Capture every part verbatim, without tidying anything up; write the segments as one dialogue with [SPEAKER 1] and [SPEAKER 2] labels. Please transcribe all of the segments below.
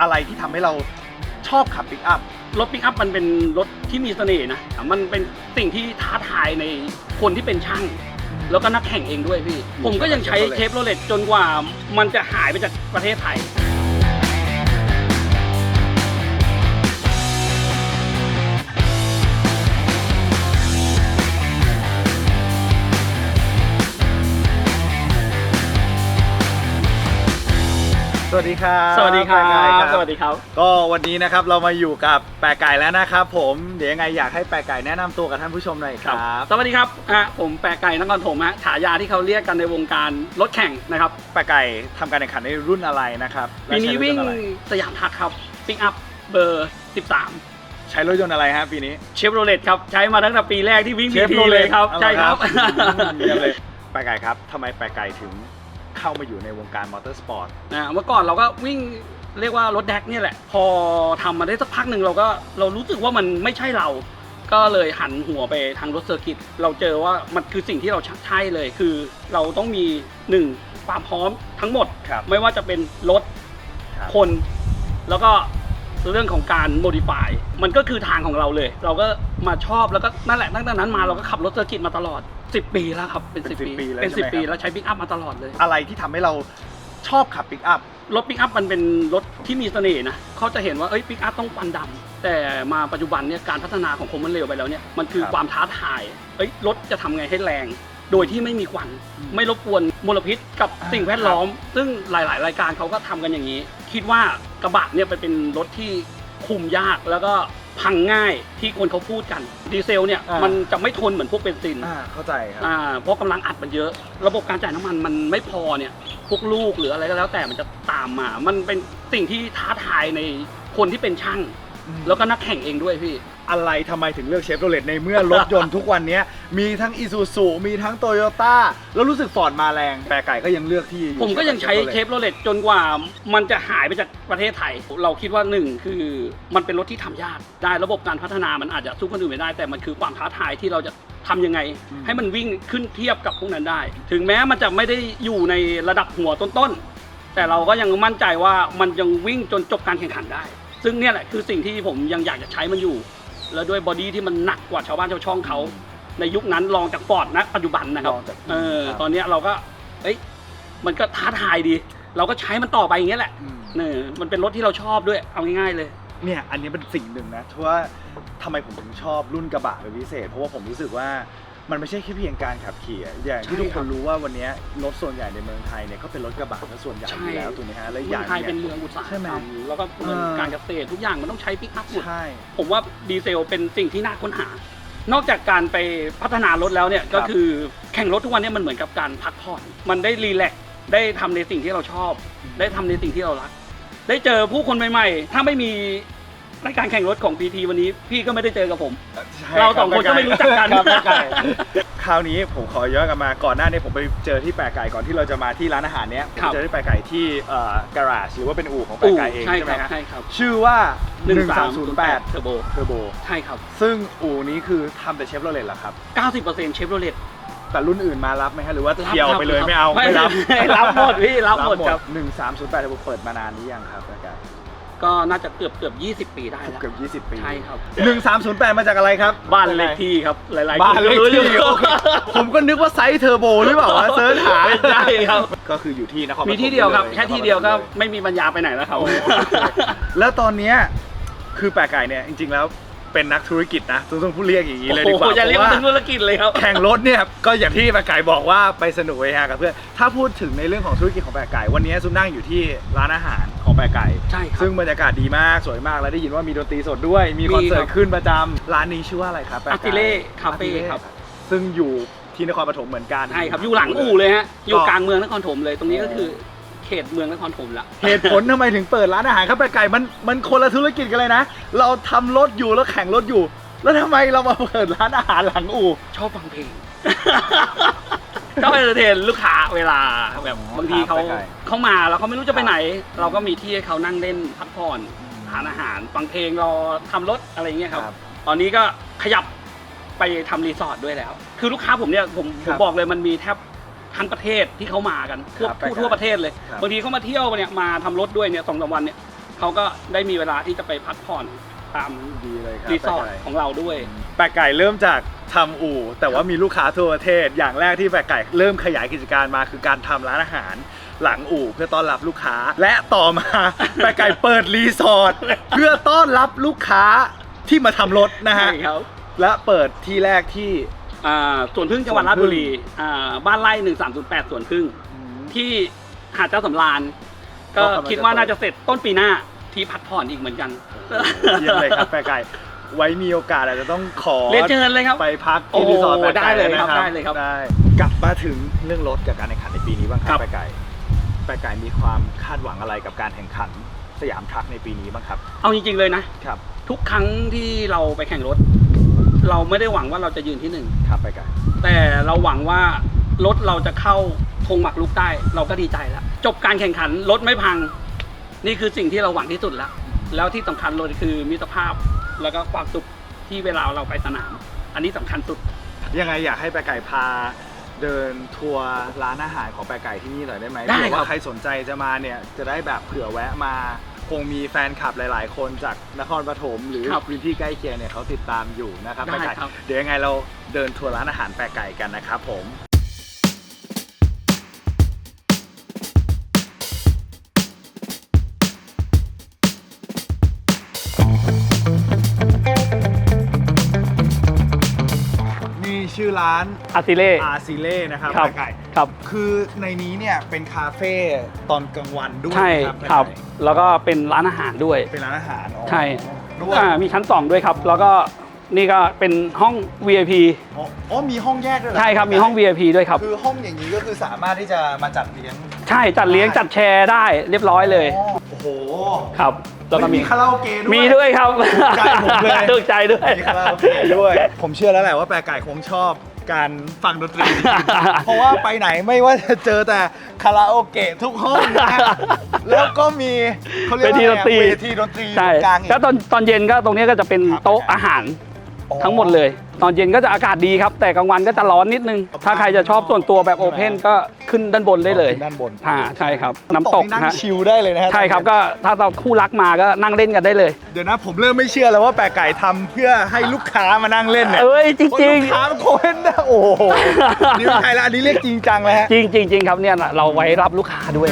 [SPEAKER 1] อะไรที่ทำให้เราชอบขับปิกอัพ
[SPEAKER 2] รถปิกอัพมันเป็นรถที่มีเสน่ห์นะมันเป็นสิ่งที่ท้าทายในคนที่เป็นช่างแล้วก็นักแข่งเองด้วยพี่ผมก็ยังใช้เชฟโรเลตจนกว่ามันจะหายไปจากประเทศไทย
[SPEAKER 1] สวัสดีครับ
[SPEAKER 2] สวัสดีครับสวัสดีครับ
[SPEAKER 1] ก็วันนี้นะครับเรามาอยู่กับแปะไก่แล้วนะครับผมเดี๋ยวยังไงอยากให้แปะไก่แนะนำตัวกับท่านผู้ชมหน่อยครับ
[SPEAKER 2] สวัสดีครับอ่ะผมแปะไก่นครถมฮะฉายาที่เขาเรียกกันในวงการรถแข่งนะครับ
[SPEAKER 1] แปะไก่ทำการแข่งขันในรุ่นอะไรนะครับ
[SPEAKER 2] ปีนี้วิ่งสยามทักครับปิกอัพเบอร์สิบสาม
[SPEAKER 1] ใช้รถยนต์อะไรฮะปีนี้
[SPEAKER 2] เชฟโรเลตครับใช้มาตั้งแต่ปีแรกที่วิ่งพีทีเลยครับใช่ครับ
[SPEAKER 1] แปะไก่ครับทำไมแปะไก่ถึงเข้ามาอยู่ในวงการมอเตอร์สปอร์ต
[SPEAKER 2] นะเมื่อก่อนเราก็วิ่งเรียกว่ารถแดกเนี่ยแหละพอทำมาได้สักพักหนึ่งเราก็เรารู้สึกว่ามันไม่ใช่เราก็เลยหันหัวไปทางรถเซอร์กิตเราเจอว่ามันคือสิ่งที่เราใช่เลยคือเราต้องมีหนึ่งความพร้อมทั้งหมดไม่ว่าจะเป็นรถคนแล้วก็เรื่องของการโมดิฟายมันก็คือทางของเราเลยเราก็มาชอบแล้วก็นั่นแหละตั้งแต่นั้นมาเราก็ขับรถเซอร์กิตมาตลอดสิบปีแล้วครับเป็นสิบปีเป็นสิบปีแล้วใช้ปิกอัพมาตลอดเลย
[SPEAKER 1] อะไรที่ทำให้เราชอบขับปิกอัพ
[SPEAKER 2] รถปิกอัพมันเป็นรถที่มีเสน่ห์นะเขาจะเห็นว่าเอ้ยปิกอัพต้องควันดำแต่มาปัจจุบันเนี่ยการพัฒนาของคมมันเร็วไปแล้วเนี่ยมันคือความท้าทายเอ้ยรถจะทำไงให้แรงโดยที่ไม่มีควันไม่รบกวนมลพิษกับสิ่งแวดล้อมซึ่งหลายๆรายการเขาก็ทำกันอย่างนี้คิดว่ากระบะเนี่ยเป็นรถที่คุมยากแล้วก็พังง่ายที่คนเขาพูดกันดีเซลเนี่ยมันจะไม่ทนเหมือนพวกเบนซิน
[SPEAKER 1] อ่าเข้าใจครับ
[SPEAKER 2] อ่าเพราะกำลังอัดมันเยอะระบบการจ่ายน้ำมันมันไม่พอเนี่ยพวกลูกหรืออะไรก็แล้วแต่มันจะตามมามันเป็นสิ่งที่ท้าทายในคนที่เป็นช่างแล้วก็นักแข่งเองด้วยพี่
[SPEAKER 1] อะไรทำไมถึงเลือกเชฟโรเลตในเมื่อรถยนต์ทุกวันนี้มีทั้งอีซูซูมีทั้งโตโยต้าแล้วรู้สึกฟอร์ดมาแรงแปะไก่ก็ยังเลือกที่
[SPEAKER 2] ผมก็ยังใช้เชฟโรเลตจนกว่ามันจะหายไปจากประเทศไทยเราคิดว่าหนึ่งคือมันเป็นรถที่ทำยากได้ระบบการพัฒนามันอาจจะสู้คนอื่นไม่ได้แต่มันคือความท้าทายที่เราจะทำยังไงให้มันวิ่งขึ้นเทียบกับพวกนั้นได้ถึงแม้มันจะไม่ได้อยู่ในระดับหัวต้นๆแต่เราก็ยังมั่นใจว่ามันยังวิ่งจนจบการแข่งขันได้ซึ่งเนี่ยแหละคือสิ่งที่ผมยังอยากจะใช้มันอยู่แล้วด้วยบอดี้ที่มันหนักกว่าชาวบ้านชาวช่องเขาในยุคนั้นลองจากฟอร์ดนะปัจจุบันนะครับเออตอนนี้เราก็เอ้ยมันก็ท้าทายดีเราก็ใช้มันต่อไปอย่างเงี้ยแหละเนี่ยมันเป็นรถที่เราชอบด้วยเอาง่ายๆเลย
[SPEAKER 1] เนี่ยอันนี้เป็นสิ่งหนึ่งนะว่าทำไมผมถึงชอบรุ่นกระบะเป็นพิเศษเพราะว่าผมรู้สึกว่ามันไม่ใช่แค่เพียงการขับขี่อย่างที่ทุกคนรู้ว่าวันนี้รถส่วนใหญ่ในเมืองไทยเนี่ยก็เป็นรถกระบะส่วนใหญ่อยู่แล้วถูกไหมฮะและอย่าง
[SPEAKER 2] ไทยเป็นเมืองอุตสาหกรรมแล้วก็การเกษตรทุกอย่างมันต้องใช้ปิกอัพหมดผมว่าดีเซลเป็นสิ่งที่น่าค้นหานอกจากการไปพัฒนารถแล้วเนี่ยก็คือแข่งรถทุกวันนี้มันเหมือนกับการพักผ่อนมันได้รีแลกซ์ได้ทำในสิ่งที่เราชอบได้ทำในสิ่งที่เรารักได้เจอผู้คนใหม่ๆถ้าไม่มีรายการแข่งรถของ พี ที วันนี้พี่ก็ไม่ได้เจอกับผมเราสองคนก็ไม่รู้จักกัน
[SPEAKER 1] คราวนี้ผมขอย้อนกลับมาก่อนหน้านี้ผมไปเจอที่แปะไก่ก่อนที่เราจะมาที่ร้านอาหารเนี้ยผมเจอที่แปะไก่ที่เอ่อการาจหรือว่าเป็นอู่ของแปะไก่เองใช่ไหมครับชื่อว่าหนึ่งสามศูนย์แปด
[SPEAKER 2] เทอร์โบ
[SPEAKER 1] เทอร์โบ
[SPEAKER 2] ใช่ครับ
[SPEAKER 1] ซึ่งอู่นี้คือทำแต่เชฟโรเลตเหรอครับ
[SPEAKER 2] เก้าสิบเปอร์เซ็นต์ เชฟโรเลต
[SPEAKER 1] แต่รุ่นอื่นมารับไหมฮะหรือว่าเที่ยวไปเลยไม่เอา
[SPEAKER 2] ไม่รับรับหมดพี่รับหมดครับ
[SPEAKER 1] หนึ่งสามศูนย์แปดเทอร์โบเปิดมานานหรือยังครับแปะไก่
[SPEAKER 2] ก็น่าจะเกือบเกือบยี่สิบปีได้แล้ว
[SPEAKER 1] เกือบยี่สิบปี
[SPEAKER 2] ใช่ครับ
[SPEAKER 1] หนึ่งสามศูนย์แปดมาจากอะไรครับ
[SPEAKER 2] บ้านเลขที่ครับหลายๆ
[SPEAKER 1] บ้านเลขที่ผมก็นึกว่าไซส์เทอร์โบหรือเปล่าวะเซิร์ชหา
[SPEAKER 2] ใช่ครับ
[SPEAKER 1] ก็คืออยู่ที่นครปฐม
[SPEAKER 2] มีที่เดียวครับแค่ที่เดียวก็ไม่มีปัญญาไปไหนแล้วครับ
[SPEAKER 1] แล้วตอนนี้คือแปะไก่เนี่ยจริงๆแล้วเป็นนักธุรกิจนะต้องพูดเรียกอย่างนี้เลยดีกว่า
[SPEAKER 2] เพราะว่าเป็นธุรกิจเลยครับ
[SPEAKER 1] แข่งรถเนี่ยก็อย่างที่แปะไก่บอกว่าไปสนุกเฮฮากับเพื่อนถ้าพูดถึงในเรื่องของธุรกิจของแปะไก่วันนี้ซุมนั่งอยู่ที่ร้านอาหารของแปะไก่
[SPEAKER 2] ใช่ครับ
[SPEAKER 1] ซึ่งบรรยากาศดีมากสวยมากและได้ยินว่ามีดนตรีสดด้วยมีคอนเสิร์ตขึ้นประจำร้านนี้ชื่อว่าอะไรครับแปะไก่
[SPEAKER 2] อาร์ติเล่คาเฟ่ครับ
[SPEAKER 1] ซึ่งอยู่ที่นครปฐมเหมือนกัน
[SPEAKER 2] ใช่ครับอยู่หลังอู่เลยฮะอยู่กลางเมืองนครปฐมเลยตรงนี้ก็คือเขตเมืองนครปฐมละ
[SPEAKER 1] เหตุผลทำไมถึงเปิดร้านอาหารครับแปะไก่มันมันคนละธุรกิจกันเลยนะเราทำรถอยู่แล้วแข่งรถอยู่แล้วทำไมเรามาเปิดร้านอาหารหลังอู่
[SPEAKER 2] ชอบฟังเพลงชอบเอนเตอร์เทนลูกค้าเวลาแบบบางทีเขาเขามาแล้วเขาไม่รู้จะไปไหนเราก็มีที่ให้เขานั่งเล่นพักผ่อนทานอาหารฟังเพลงรอทำรถอะไรอย่างเงี้ยครับตอนนี้ก็ขยับไปทำรีสอร์ทด้วยแล้วคือลูกค้าผมเนี่ยผมผมบอกเลยมันมีแทบทั้งประเทศที่เขามากันทั่วทั่วประเทศเลยบางทีเขามาเที่ยวเนี่ยมาทำรถด้วยเนี่ยสองสามวันเนี่ยเขาก็ได้มีเวลาที่จะไปพักผ่อนตาม
[SPEAKER 1] ดีเลยครับ
[SPEAKER 2] รีสอร์ท
[SPEAKER 1] แปะไก่
[SPEAKER 2] ของเราด้วย
[SPEAKER 1] แปะไก่เริ่มจากทำอู่ แต่ว่ามีลูกค้าทั่วประเทศ อย่างแรกที่แปะไก่เริ่มขยายกิจการมาคือการทำร้านอาหารหลังอู่เพื่อต้อนรับลูกค้า และต่อมา แปะไก่เปิดรีสอร์ทเพื่อต้อนรับลูกค้าที่มาทำรถนะฮะ
[SPEAKER 2] ใช่ครับ
[SPEAKER 1] และเปิดที่แรกที่
[SPEAKER 2] อ่าสวนพึ่งจังหวัดราชบุรีอ่าบ้านไร่หนึ่งสามศูนย์แปดสวนพึ่ง ที่หาดเจ้าสำราญก็คิดว่าน่าจะเสร็จต้นปีหน้าที่พักผ่อนอีกเหมือนกัน
[SPEAKER 1] เยี่ยมเลยครับแปะไก่ไว้มีโอกาสอาจจะต้องขอ
[SPEAKER 2] เรียนเชิญเลยครับ
[SPEAKER 1] ไปพักที่รีสอร์ทแปะ
[SPEAKER 2] ได้
[SPEAKER 1] ไก่
[SPEAKER 2] เลย
[SPEAKER 1] นะครับ
[SPEAKER 2] ได้เลยครับ
[SPEAKER 1] ได้กลับมาถึงเรื่องรถกับการแข่งขันในปีนี้บ้างค
[SPEAKER 2] ครั
[SPEAKER 1] รับบ แปะไก่แปะไก่มีความคาดหวังอะไรกับการแข่งขันสยามทรัคในปีนี้บ้างครับ
[SPEAKER 2] เอาจริงๆเลยนะ
[SPEAKER 1] ครับ
[SPEAKER 2] ทุกครั้งที่เราไปแข่งรถ เราไม่ได้หวังว่าเราจะยืนที่หนึ่ง
[SPEAKER 1] ครับแปะไก่
[SPEAKER 2] แต่เราหวังว่ารถเราจะเข้าธงหมักลุกได้ เราก็ดีใจแล้วจบการแข่งขันรถไม่พัง นี่คือสิ่งที่เราหวังที่สุดแล้ว แล้วที่สำคัญเลยคือมิตรภาพแล้วก็ความสุขที่เวลาเราไปสนาม อันนี้สำคัญสุด
[SPEAKER 1] ยังไงอยากให้แปะไก่พาเดินทัวร์ร้านอาหารของแปะไก่ที่นี่หน่อยได้ไหม
[SPEAKER 2] ได้
[SPEAKER 1] เผื่อ
[SPEAKER 2] ครั
[SPEAKER 1] ว่า
[SPEAKER 2] บ
[SPEAKER 1] ใครสนใจจะมาเนี่ยจะได้แบบเผื่อแวะมาคงมีแฟนคลับหลาย ๆ คนจากนครปฐมหรือพื้นที่ใกล้เคียงเนี่ยเขาติดตามอยู่นะครับแปะไก่เดี๋ยวยังไงเราเดินทัวร์ร้านอาหารแปะไก่กันนะครับผมนี่ชื่อร้าน
[SPEAKER 2] อาซิเล่
[SPEAKER 1] อาซิเล่นะครับ
[SPEAKER 2] ครับ
[SPEAKER 1] แปะไก่
[SPEAKER 2] ครับ
[SPEAKER 1] คือในนี้เนี่ยเป็นคาเฟ่ตอนกลางวันด้วย
[SPEAKER 2] ใช่
[SPEAKER 1] ครับ
[SPEAKER 2] ครับ
[SPEAKER 1] แปะไก่
[SPEAKER 2] แล้วก็เป็นร้านอาหารด้วย
[SPEAKER 1] เป็นร้านอาหารอ๋อ
[SPEAKER 2] ใช่
[SPEAKER 1] ด้วย
[SPEAKER 2] อ่ามีชั้นสองด้วยครับ แล้วก็นี่ก็เป็นห้อง วี ไอ พี
[SPEAKER 1] อ๋ออ๋อมีห้องแยกด้วยเหอ
[SPEAKER 2] ใช่ครับมีห้อง วี ไอ พี ด้วยครับ
[SPEAKER 1] คือห้องอย่างนี้ก็คือสามารถที่จะมาจัดเลี้ยง
[SPEAKER 2] ใช่จัดเลี้ยงจัดแชร์ได้เรียบร้อยเลย
[SPEAKER 1] อ๋อโอ้โห
[SPEAKER 2] ครับแล้วก็
[SPEAKER 1] ไม่
[SPEAKER 2] มี
[SPEAKER 1] มีคาราโอเกะด้วย
[SPEAKER 2] มีด้วยครับ
[SPEAKER 1] ถูกใจผมเลย
[SPEAKER 2] ถูกใจด้วย
[SPEAKER 1] มีคาราโอเกะด้วย ผมเชื่อแล้วแหละว่าแปะไก่คงชอบการฟังดนตรี เพราะว่าไปไหนไม่ว่าจะเจอแต่คาราโอเกะทุกห้องนะ แล้วก็มีเขาเรียกว่า
[SPEAKER 2] เวทีดนตรี
[SPEAKER 1] เวทีดนตรี
[SPEAKER 2] ใช่
[SPEAKER 1] กลางอีก
[SPEAKER 2] แล้วตอนตอนเย็นก็ตรงนี้ก็จะเป็น
[SPEAKER 1] ครับ
[SPEAKER 2] โต๊ะอาหาร
[SPEAKER 1] อ๋อ
[SPEAKER 2] ทั้งหมดเลย ตอนเย็นก็จะอากาศดีครับ แต่กลางวันก็จะร้อนนิดนึง ถ้าใครจะชอบส่วนตัวแบบโอเพนก็ขึ้นด้านบนได้เลย
[SPEAKER 1] ด้านบน
[SPEAKER 2] อ่าใช่ครับน้ำตก
[SPEAKER 1] นี่นั่ง
[SPEAKER 2] ฮะ
[SPEAKER 1] ชิลได้เลยนะฮะ
[SPEAKER 2] ใช่ครับก็ถ้าเราคู่รักมาก็นั่งเล่นกันได้เลย
[SPEAKER 1] เดี๋ยวนะผมเริ่มไม่เชื่อแล้วว่าแปะไก่ทำเพื่อให้ลูกค้ามานั่งเล่นเนี่ย
[SPEAKER 2] เอ้ยจ
[SPEAKER 1] คน
[SPEAKER 2] ริง
[SPEAKER 1] ลูกค้าโคนนะโอ้โหนี่ไม่ใช่แล้วอันนี้เรียกจริงจังเลยฮะ
[SPEAKER 2] ๆจริงจริงจริงครับเนี่ยเราไว้รับลูกค้าด้วย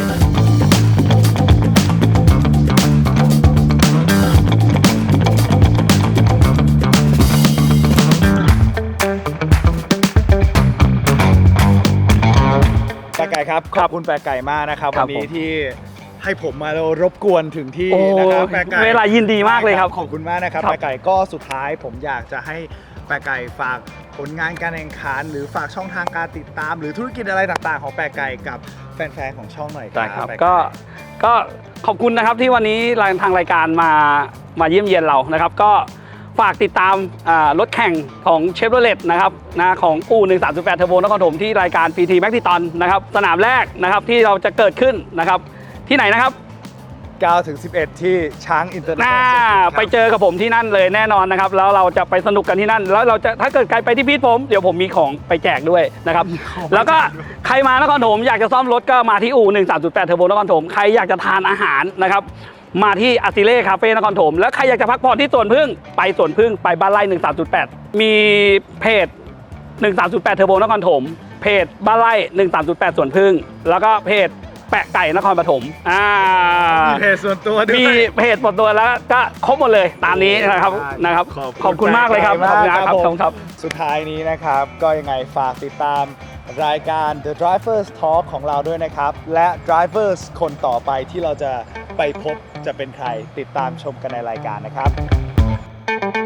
[SPEAKER 1] แปะไก่ครับขอบคุณแปะไก่มากนะครับ
[SPEAKER 2] ครั
[SPEAKER 1] วั
[SPEAKER 2] บ
[SPEAKER 1] นนี้
[SPEAKER 2] ผม
[SPEAKER 1] ที่ให้ผมมารบกวนถึงที่
[SPEAKER 2] โอ้
[SPEAKER 1] นะครับแปะไก่
[SPEAKER 2] เวลายินดีมากเลยครับ
[SPEAKER 1] ขอบคุณมากนะครับ
[SPEAKER 2] ครับ
[SPEAKER 1] แปะไก่ก็สุดท้ายผมอยากจะให้แปะไก่ฝากผลงานการแข่งขันหรือฝากช่องทางการติดตาม หรือธุรกิจอะไรต่างๆของแปะไก่กับแฟนๆของช่องหน่อยค
[SPEAKER 2] ได้
[SPEAKER 1] รับ
[SPEAKER 2] ครับ
[SPEAKER 1] แปะไ
[SPEAKER 2] ก็ก็ขอบคุณนะครับที่วันนี้ทางรายการมามาเยี่ยมเยียนเรานะครับ ก็ฝากติดตามอ่ารถแข่งของเชฟโรเลตนะครับนะของอู่หนึ่งสามแปดเทอร์โบนครปฐมที่รายการ พี ที แม็กซิตอนนะครับสนามแรกนะครับที่เราจะเกิดขึ้นนะครับที่ไหนนะครับ
[SPEAKER 1] เก้าถึงสิบเอ็ดที่ช้างอินเตอร์เนชั่น
[SPEAKER 2] น่า
[SPEAKER 1] แนลครับ
[SPEAKER 2] ไปเจอกับผมที่นั่นเลยแน่นอนนะครับแล้วเราจะไปสนุกกันที่นั่น แล้วเราจะถ้าเกิดใครไปที่พีทผมเดี๋ยวผมมีของไปแจกด้วยนะครับแล้วก็ใครมานครปฐมอยากจะซ่อมรถก็มาที่อู่หนึ่งสามแปดเทอร์โบนครปฐมใครอยากจะทานอาหารนะครับมาที่อาซิเล่คาเฟ่นครปฐมแล้วใครอยากจะพักผ่อนที่สวนพึ่งไปสวนพึ่งไปบ้านไร่หนึ่งสามแปดมีเพจหนึ่งสามแปดเทอร์โบนครปฐมเพจบ้านไร่หนึ่งสามแปดสวนพึ่งแล้วก็เพจแปะไก่นครปฐมอ่า
[SPEAKER 1] มีเพจส่วนตัวด้วย
[SPEAKER 2] มีเพจหมดตัวแล้วก็ครบหมดเลยตามนี้นะครับนะครับ ขอบคุณมากเลยครับ
[SPEAKER 1] ขอบคุณมาก
[SPEAKER 2] ข
[SPEAKER 1] ค
[SPEAKER 2] อ
[SPEAKER 1] รั
[SPEAKER 2] บบ
[SPEAKER 1] ผ
[SPEAKER 2] คุ
[SPEAKER 1] ม
[SPEAKER 2] ณครับ
[SPEAKER 1] สุดท้ายนี้นะครับ ก็ยังไงฝากติดตามรายการ The Drivers Talk ของเราด้วยนะครับ และ Drivers คนต่อไปที่เราจะไปพบจะเป็นใครติดตามชมกันในรายการนะครับ